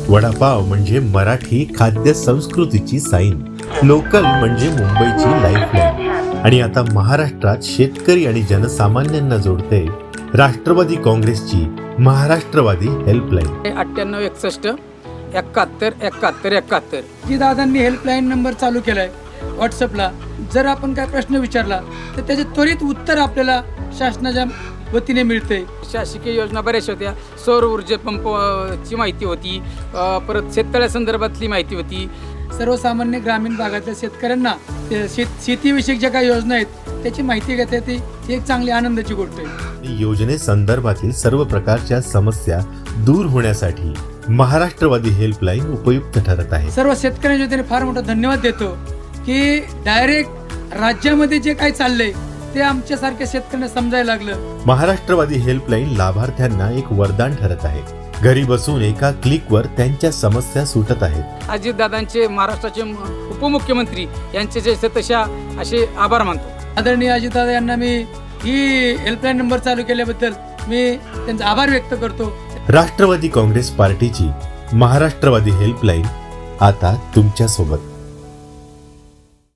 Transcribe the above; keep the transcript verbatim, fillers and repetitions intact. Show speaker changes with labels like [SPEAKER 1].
[SPEAKER 1] वडापाव म्हणजे मराठी खाद्य संस्कृतीची साईन, लोकल म्हणजे मुंबईची लाईफलाईन आणि आता महाराष्ट्रात शेतकरी आणि जनसामान्यांना जोडते राष्ट्रवादी काँग्रेसची महाराष्ट्रवादी हेल्पलाईन.
[SPEAKER 2] अठ्ठ्याण्णव एकसष्ट एकाहत्तर एकाहत्तर एकाहत्तर
[SPEAKER 3] जी दादांनी हेल्पलाईन नंबर चालू केलाय व्हॉट्सअपला. जर आपण काय प्रश्न विचारला तर त्याचे त्वरित उत्तर आपल्याला शासनाच्या वतीने मिळते.
[SPEAKER 2] शासकीय योजना बऱ्याचशा होत्या. सौर ऊर्जा पंपची माहिती होती, अ, परत शेततळ्यासंदर्भातली माहिती होती.
[SPEAKER 3] सर्वसामान्य ग्रामीण भागातल्या शेतकऱ्यांना ते शेत शेतीविषयक ज्या काही योजना आहेत त्याची माहिती घेता येते. ही एक चांगली आनंदाची गोष्ट आहे.
[SPEAKER 1] योजनेसंदर्भातील सर्व प्रकारच्या समस्या दूर होण्यासाठी महाराष्ट्रवादी हेल्पलाईन उपयुक्त ठरत आहे.
[SPEAKER 3] सर्व शेतकऱ्यांच्या वतीने फार मोठा धन्यवाद देतो की डायरेक्ट राज्यामध्ये जे काही चाललंय ते आमच्यासारख्या शेतकऱ्यांना समजायला लागलं.
[SPEAKER 1] महाराष्ट्रवादी हेल्पलाईन लाभार्थ्यांना एक वरदान ठरत आहे. घरी बसून एका क्लिकवर त्यांच्या समस्या सुटत आहेत.
[SPEAKER 2] अजितदादांचे, महाराष्ट्राचे म- उपमुख्यमंत्री यांचे जे तशा असे आभार मानतो.
[SPEAKER 3] आदरणीय अजितदादा यांना मी ही हेल्पलाईन नंबर चालू केल्याबद्दल मी त्यांचा आभार व्यक्त करतो.
[SPEAKER 1] राष्ट्रवादी काँग्रेस पार्टीची महाराष्ट्रवादी हेल्पलाईन आता तुमच्या सोबत.